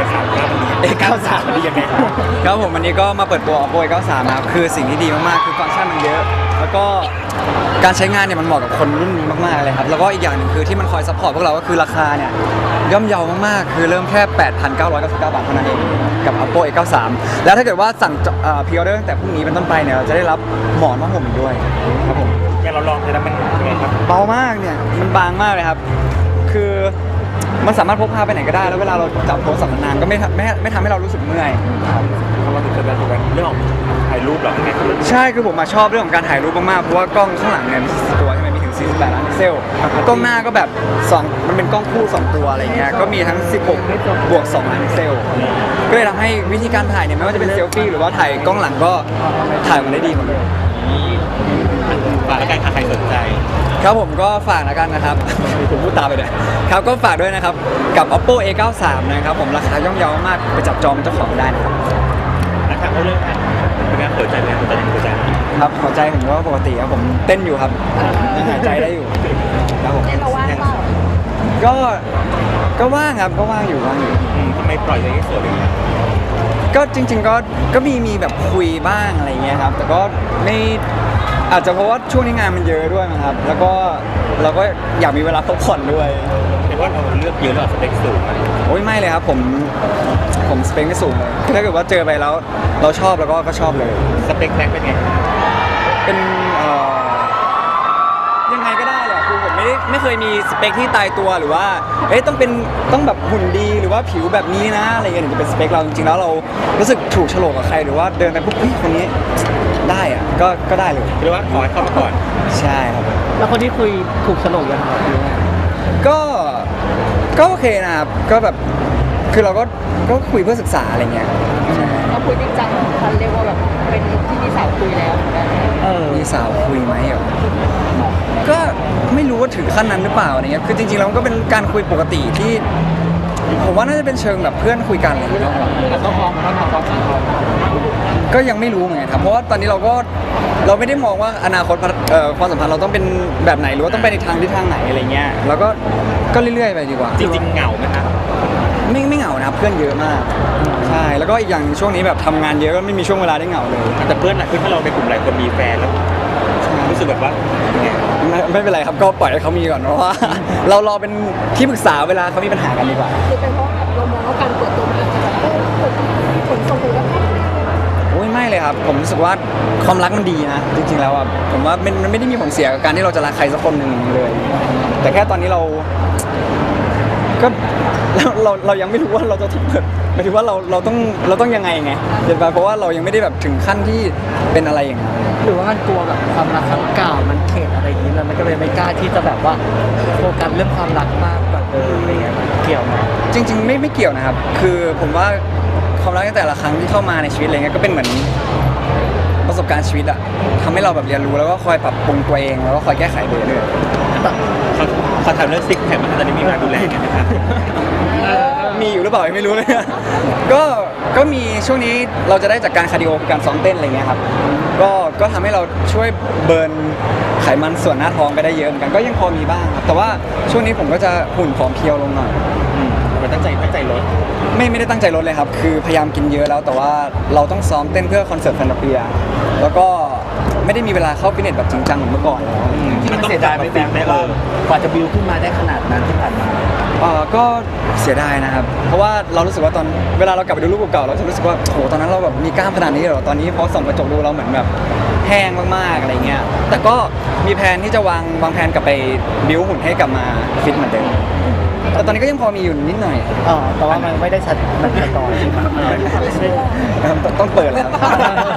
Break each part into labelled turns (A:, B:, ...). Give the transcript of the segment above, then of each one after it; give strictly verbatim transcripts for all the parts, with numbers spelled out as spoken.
A: สามเก้ามันดี
B: เอเก้าสาม
A: ดียังไงครับ
B: ครับผมวันนี้ก็มาเปิดตัว Oppo เอเก้าสามนะครับคือสิ่งที่ดีมากๆคือฟังก์ชันมันเยอะ แล้วก็การใช้งานเนี่ยมันเหมาะกับคนรุ่นนี้มากๆเลยครับแล้วก็อีกอย่างหนึ่งคือที่มันคอยซัพพอร์ตพวกเราก็คือราคาเนี่ยย่อมเยาวมากๆคือเริ่มแค่ แปดพันเก้าร้อยเก้าสิบเก้า บาทเท่านั้นเองกับ Oppo เอเก้าสามแล้วถ้าเกิดว่าสั่งพรีออเดอร์ตั้งแต่พรุ่งนี้เป็นต้นไปเนี่ยเราจะได้รับหมอนผ้าห่มอีกด้วยครับผม
A: อย่างเราลองใช้แล้วมันยังไงครับ
B: เบามากเนี่ยมันบางมากเลยครับคือมันสามารถพกพาไปไหนก็ได้แล้วเวลาเราจับโทรศัพท์นานๆก็ไม่ทำไม่ไม่ทำให้เรารู้สึกเมื่อย
A: เขามาถึงจะเป็นเรื่องของถ่ายรูปหรอยังไงครับ
B: ใช่คือผมมาชอบเรื่องของการถ่ายรูปมากๆเพราะว่ากล้องข้างหลังเนี่ยมีสี่ตัวใช่ไหมมีถึงสี่สิบแปดล้านพิกเซลกล้องหน้าก็แบบสองมันเป็นกล้องคู่สองตัวอะไรเงี้ยก็มีทั้งสิบหกบวกสองล้านพิกเซลก็เลยทำให้วิธีการถ่ายเนี่ยไม่ว่าจะเป็นเซลฟี่หรือว่าถ่ายกล้องหลังก็ถ่ายมันได้ดีหมดเลย
A: ฝากแล้วกันใครสนใจ
B: ครับผมก็ฝากแล้วกันนะครับ ผมพูดตามไปเลยครับก็ฝากด้วยนะครับกับ Oppo เอเก้าสามนะครับผมราคาย่อมเยาวมากไปจับจองเป็นเจ้าของได้นะครับ
A: นะครับเอาเรื่องการเป็นการเปิดใจไหมเปิดใจเปิดใจ
B: ครับหัวใจผมก็ปกติครับผมเต้นอยู่ครับยังหายใจได้อยู่ครับผม
C: เราว่างเปล่า
B: ก็ก็ว่างครับก็ว่างอยู่ว่างอยู่
A: อืมทำไมปล่อยใจให้สวยเลยครับ
B: ก็จริง ๆ ก็ก็มีมีแบบคุยบ้างอะไรเงี้ยครับแต่ก็ไม่อาจจะเพราะว่าช่วงนี้งานมันเยอะด้วยมั้งครับแล้วก็เราก็อยากมีเวลาพักผ่อนด้วย
A: เห็นว่าเราเลือกเยอะแล้วสเปคสูงอะ
B: โอ้ยไม่เลยครับผมผมสเปคไม่สูงเลยถ้าเกิดว่าเจอไปแล้วเราชอบแล้วก็ก็ชอบเลย
A: สเปคแบงค์เป็นไง
B: เป็นเอ่อยังไงก็ได้แหละคือผมไม่ได้ไม่เคยมีสเปคที่ตายตัวหรือว่าเอ๊ะต้องเป็นต้องแบบหุ่นดีหรือว่าผิวแบบนี้นะอะไรเงี้ยถึงจะเป็นสเปคเราจริงๆแล้วเรารู้สึกถูกโฉลกกับใครหรือว่าเดินไปปุ๊บเฮ้ยคนนี้ได้อะก็ก็ได้เลย
A: หรือว่าขอให้เข้ามาก่อน
B: ใช่ครับ
D: แล้วคนที่คุยถูกโฉลกยังครับหรือว่า
B: ก็ก็โอเคนะครับก็แบบคือเราก็ก็คุยเพื่อศึกษาอะไรเงี้ยใช่
C: เราคุยจริงจังคันเรียกว่าแบบเป็นที่มีสาวคุยแล้ว
D: เออ
B: มีสาวคุยไหมเหรอก็ไม่รู้ว่าถึงขั้นนั้นหรือเปล่าอะไรเงี้ยคือจริงๆแล้วมันก็เป็นการคุยปกติที่ผมว่าน่าจะเป็นเชิงแบบเพื่อนคุยกันอะไรเงี้ย
D: แต่ต้องพร้อมต้องพร้อมต้องพร้อม
B: ก็ยังไม่รู้เหมือนกันครับเพราะว่าตอนนี้เราก็เราไม่ได้มองว่าอนาคตเอ่อความสัมพันธ์เราต้องเป็นแบบไหนหรือว่าต้องไปในทางที่ทางไหนอะไรเงี้ยเราก็ก็เรื่อยๆไปดีกว่า
A: จริงๆเหงาไหมครับ
B: ไม่ไม่เหงานะครับเพื่อนเยอะมากใช่แล้วก็อีกอย่างช่วงนี้แบบทำงานเยอะก็ไม่มีช่วงเวลาได้เหงาเลย
A: แต่เพื่อนอะคือถ้าเราในกลุ่มหลายคนมีแฟนแล้วรู้สึกแบบว่าไง
B: ไม่ไม่เป็นไรครับก็ปล่อยให้เขามีก่อนเพราะว่า เรารอเป็นที่ปรึกษาเวลาเขามีปัญหากันดีกว่า
C: คือเป็นเพราะแบบเรามองว่าการเปิดตัวมันอาจจะแบบเออผลส่งผลกระทบ
B: โอ้ยไม่เลยครับผมรู้สึกว่าความรักมันดีนะจริงๆแล้วอ่ะผมว่ามันมันไม่ได้มีผลเสียกับการที่เราจะรักใครสักคนหนึ่งเลย แต่แค่ตอนนี้เราก็ เราเราเรายังไม่รู้ว่าเราจะเปิดหมายถึงว่าเราเราต้องเราต้องยังไงไงเห็นป่ะเพราะว่าเรายังไม่ได้แบบถึงขั้นที่เป็นอะไรอย่างนั้น
D: หรือว่ามันกลัวแบบความรักครั้งเก่ามันเข็ดอะไรอย่างนี้แล้วมันก็เลยไม่กล้าที่จะแบบว่าโฟกัสเรื่องความรักมากกว่าเดิมอะไรเงี้ยมันเกี่ยวไหม
B: จริง ๆ ไม่ไม่เกี่ยวนะครับ คือผมว่าความรักในแต่ละครั้งที่เข้ามาในชีวิตอะไรเงี้ยก็เป็นเหมือนประสบการณ์ชีวิตอะทำให้เราแบบเรียนรู้แล้วก็คอยปรับปรุงตัวเองแล้วก็คอยแก้ไขไปเรื่อย
A: เขาเขาทำเรื่องซิกแพคมันตอนนี้มีมาดูแลกันไหมครับ
B: มีอยู่หรือเปล่ายังไม่รู้เลย ก็ก็มีช่วงนี้เราจะได้จากการคาร์ดิโอคือการซ้อมเต้นอะไรเงี้ยครับก็ก็ทำให้เราช่วยเบิร์นไขมันส่วนหน้าท้องไปได้เยอะเหมือนกันก็ยังพอมีบ้างครับแต่ว่าช่วงนี้ผมก็จะหุ่นผอมเพรียวลงหน่อย
A: มันตั้งใจตั้งใจลด
B: ไม่ไม่ได้ตั้งใจลดเลยครับ คือพยายามกินเยอะแล้ว แต่ว่าเราต้องซ้อมเต้นเพื่อคอนเสิร์ตแฟนตาเปีย แล้วก็ไม่ได้มีเวลาเข้าฟิตเนสแบบจริงจังเหมือนเมื่อก่อนแล้ว
D: ที่มันเสียดายไหม่แบงค์ว่ากว่าจะบิวขึ้นมาได้ขนาดนั้นที่ผ่านมา
B: เออก็เสียดายนะครับ เพราะว่าเรารู้สึกว่าตอนเวลาเรากลับไปดูรูปเก่าๆเราจะรู้สึกว่าโหตอนนั้นเราแบบมีกล้ามขนาดนี้เหรอ ตอนนี้พอส่องกระจกดูเราเหมือนแบบแห้งมากๆอะไรเงี้ย แต่ก็มีแผนที่จะวางวางแผนกลับไปบิวหุ่นให้กลับมาฟิตเหมือนเดิม แต่ตอนนี้ก็ยังพอมีอยู่นิดหน่อย
D: อ๋อแต่ว่ามันไม่ได้ชัดมันชัดต่อใช่ไหม
B: นะครับต้องเปิดแล้วครับ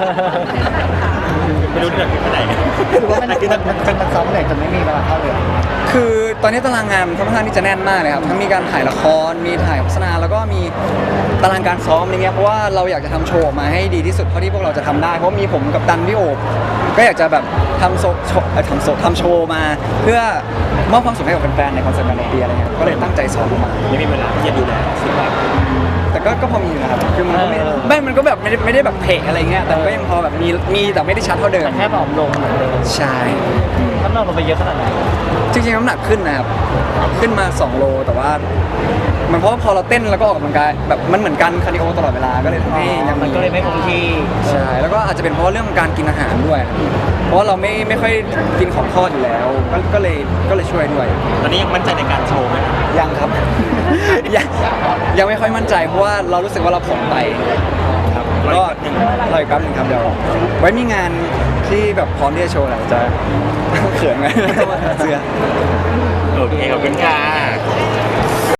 A: ไม่รู้เรื่องที่ไหน
D: หรือว่ามันมันมันมันซ้อมเหนื่อยจนไม่มีเวลาเข้าเลย
B: คือตอนนี้ตารางงานมันค่อนข้างที่จะแน่นมากเลยครับทั้งมีการถ่ายละครมีถ่ายโฆษณาแล้วก็มีตารางการซ้อมอะไรเงี้ยเพราะว่าเราอยากจะทำโชว์ออกมาให้ดีที่สุดเท่าที่พวกเราจะทำได้เพราะมีผมกับดันพี่โอบก็อยากจะแบบทำโซโชว์เอ่อทำโซทำโชว์มาเพื่อมอบความสุขให้กับแฟนๆในคอนเสิร์ตการันตีอะไรเงี้ยก็เลยตั้งใจซ้อมมา
A: ไม่มีเวลาที่จะดูแลสุขภาพ
B: แต่ก็ก็พอมีนะครับคือมันก็ไม่ไม่มันก็แบบไม่ได้ไม่ได้แบบเพะอะไรเงี้ยแต่ก็ยังพอแบบมีมีแต่ไม่ได้ชัดเท่าเดิม
D: แต่แค่ผอมลงเหมือนเดิม
B: ใช่อืม
D: น้ำหนักลงไปเยอะขนาดไหน
B: จริงๆน้ำหนักขึ้นนะครับขึ้นมาสองโลแต่ว่ามันเพราะว่าพอเราเต้นแล้วก็ออกกำลังกายแบบมันเหมือนกันคาร์ดิโอตลอดเวลาก็เลยทำให้ยัง
D: มันก็เลยไม่คงที่
B: ใช่แล้วก็อาจจะเป็นเพราะว่าเรื่องของการกินอาหารด้วย เพราะว่าเราไม่ไม่ค่อยกินของทอดอยู่แล้ว ก็ก็เลยก็เลยช่วยด้วย
A: ตอนนี้ยังมั่นใจในการโชว์ไหม
B: ยังครับ ยังยังไม่ค่อยมั่นใจเพราะว่าเรารู้สึกว่าเราผอมไปครับก็รออีกแป๊บหนึงครับเดี๋ยวไว้มีงานที่แบบพร้อมที่จะโชว์แหละจะ เขินไหม เสื้อ
A: โอเคขอบคุณค่ะ